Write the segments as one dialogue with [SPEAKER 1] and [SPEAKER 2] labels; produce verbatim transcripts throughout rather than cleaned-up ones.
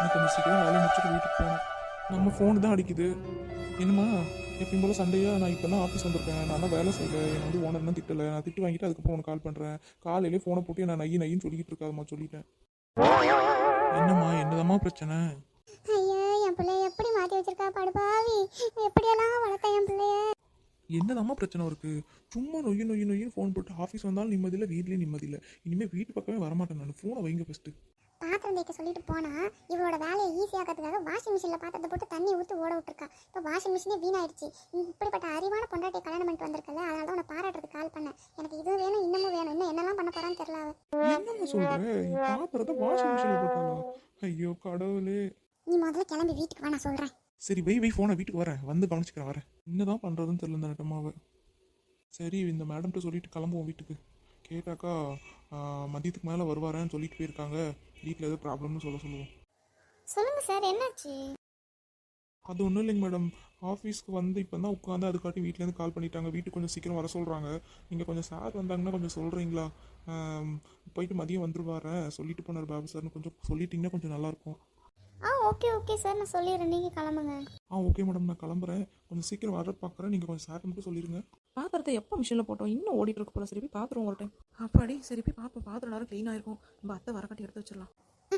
[SPEAKER 1] எனக்கு கொஞ்சம் சீக்கிரம் வேலையை முடிச்சுட்டு வீட்டுக்கு போகணும். நம்ம ஃபோன் தான் அடிக்குது. என்னம்மா எப்பயும் போல சண்டையா? நான் இப்போ தான் ஆஃபீஸ் வந்திருக்கேன், நான் தான் வேலை செய்யலை, என்னை வந்து ஓனர் தான் திட்டலை, நான் திட்டு வாங்கிட்டு அதுக்கப்புறம் உனக்கு கால் பண்ணுறேன். காலையிலே ஃபோனை போட்டு நான் நையி நையின்னு சொல்லிக்கிட்டு இருக்காதம்மா, சொல்லிட்டேன். என்னம்மா என்னதாம்மா பிரச்சனை?
[SPEAKER 2] ஐயோ, என் பிள்ளைய எப்படி மாற்றி வச்சிருக்கா படுபாவி. எப்படியெல்லாம் வளர்த்த என் பிள்ளைய.
[SPEAKER 1] என்னதாம்மா பிரச்சனை இருக்கு? சும்மா நொய்யு நொய்யு நொய்யுன்னு ஃபோன் போட்டு ஆஃபீஸ் வந்தாலும் நிம்மதி இல்லை, வீட்லேயும் நிம்மதி இல்லை. இனிமேல் வீட்டு பக்கமே வரமாட்டேன் நான். ஃபோனை வைங்க ஃபஸ்ட்டு.
[SPEAKER 2] பாத்திரம் தேய்க்க சொல்லிட்டு போனா இவளோட வேலையை ஈஸியாக்கிறதுக்காக வாஷிங் மிஷினில் பாத்திரத்தை போட்டு தண்ணி ஊற்றி ஓட விட்டுருக்கா. இப்போ வாஷிங் மிஷினே வீணாயிடுச்சு. இப்படிப்பட்ட அறிவான பொண்டாட்டியை கல்யாணம் பண்ணிட்டு வந்திருக்கல, அதனால தான் உன்னை பாராட்டுறதுக்கு கால் பண்ணேன். எனக்கு இது வேணும், இன்னமும் வேணும், இன்னும் என்னெல்லாம் பண்ண போறான்னு தெரியல அவ.
[SPEAKER 1] என்னம்மா சொல்கிறேன்? பாத்திரத்தை வாஷிங் மிஷினில் போட்டாளா? ஐயோ கடவுளே.
[SPEAKER 2] நீ முதல்ல கிளம்பி வீட்டுக்கு வா, நான் சொல்கிறேன்.
[SPEAKER 1] சரி வை வை ஃபோனை, வீட்டுக்கு வரேன், வந்து கவனிச்சுக்கிறேன், வரேன். என்னதான் பண்ணுறதுன்னு தெரியல இந்த நட்டமாவை. சரி இந்த மேடம்கிட்ட சொல்லிட்டு கிளம்புவோம் வீட்டுக்கு. கேட்டாக்கா மதியத்துக்கு மேலே வருவாரேன்னு சொல்லிட்டு போயிருக்காங்க, வீட்டில் எதுவும் ப்ராப்ளம்னு சொல்ல சொல்லுவோம்.
[SPEAKER 2] சொல்லுங்க சார், என்னாச்சு?
[SPEAKER 1] அது ஒன்றும் இல்லைங்க மேடம், ஆஃபீஸ்க்கு வந்து இப்போ தான் உட்காந்து அதுக்காட்டி வீட்டிலேருந்து கால் பண்ணிட்டாங்க, வீட்டுக்கு கொஞ்சம் சீக்கிரம் வர சொல்கிறாங்க. நீங்கள் கொஞ்சம் சார் வந்தாங்கன்னா கொஞ்சம் சொல்கிறீங்களா? போயிட்டு மதியம் வந்துருவாரேன் சொல்லிட்டு போனார் பாபு சார்னு கொஞ்சம் சொல்லிட்டிங்கன்னா கொஞ்சம் நல்லாயிருக்கும்.
[SPEAKER 2] ஆ ஓகே ஓகே சார், நான் சொல்லிடுறேன், நீங்கள் கிளம்புங்க.
[SPEAKER 1] ஆ ஓகே மேடம், நான் கிளம்புறேன், கொஞ்சம் சீக்கிரம் வர பார்க்குறேன், நீங்கள் கொஞ்சம் சார் மட்டும் சொல்லிடுங்க.
[SPEAKER 3] பாத்திரத்தை எப்போ மிஷினில் போட்டோம், இன்னும் ஓடிட்டு இருக்கு போல. சரி போய் பாத்திரம் ஒரு டைம். அப்பாடி சரி போய் பார்ப்போம், பாத்திரம் நேரம் க்ளீனாக இருக்கும். நம்ம அத்தை வரக்காட்டி எடுத்து வச்சிடலாம்.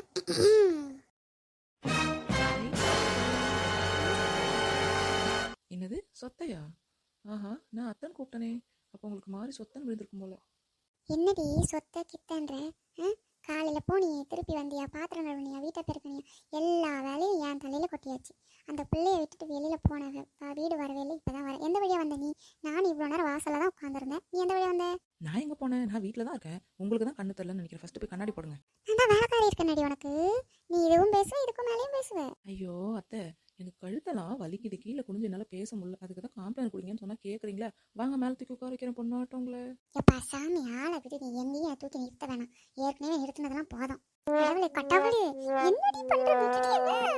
[SPEAKER 3] என்னது சொத்தையா? ஆஹா, நான் அத்தன் கூப்பிட்டனே. அப்போ உங்களுக்கு மாறி சொத்தன் விழுந்திருக்கும் போல.
[SPEAKER 2] என்னடி சொத்த கித்தன்ற? காலையில் போனியே, திருப்பி வந்தியா, பாத்திரம் கழுவுனியா, வீட்டை பெருக்கணியா, எல்லா வேலையும் என் தலையில் கொட்டியாச்சு. அந்த பிள்ளைய விட்டுட்டு வெளியில் போனவ வீடு வரவே இல்லை, இப்போ தான் வர. எந்த வழியாக வந்த நீ? நான் இவ்வளோ நேரம் வாசலில் தான் உட்காந்துருந்தேன், நீ எந்த வழியாக வந்த?
[SPEAKER 3] நான் எங்கே போனேன்? நான் வீட்டில் தான் இருக்கேன். உங்களுக்கு தான் கண்ணு தெரியலன்னு நினைக்கிறேன். ஃபஸ்ட்டு போய் கண்ணாடி போடுங்க.
[SPEAKER 2] நான் தான் வேலைக்காரி இருக்கேன்டி உனக்கு. நீ இதுவும் பேசுவேன், இதுக்கும் மேலேயும் பேசுவேன்.
[SPEAKER 3] ஐயோ அத்தை, எனக்கு கழுத்தெல்லாம் வலிக்குது, கீழே குனிஞ்சு என்னால் பேச முடியல. அதுக்கு தான் காம்ப்ளைண்ட் கொடுங்கன்னு சொன்னால் கேட்குறீங்களா? வாங்க மேலே தூக்கி உட்கார வைக்கிறேன் பொண்ணாட்டவங்களே.
[SPEAKER 2] எப்பா சாமி, ஆளை விட்டு நீ எங்கேயும் தூக்கி நிறுத்த வேணாம். ஏற்கனவே நிறுத்தினதெல்லாம் போதும். கடவுளே கடவுளே, என்னடி பண்ற?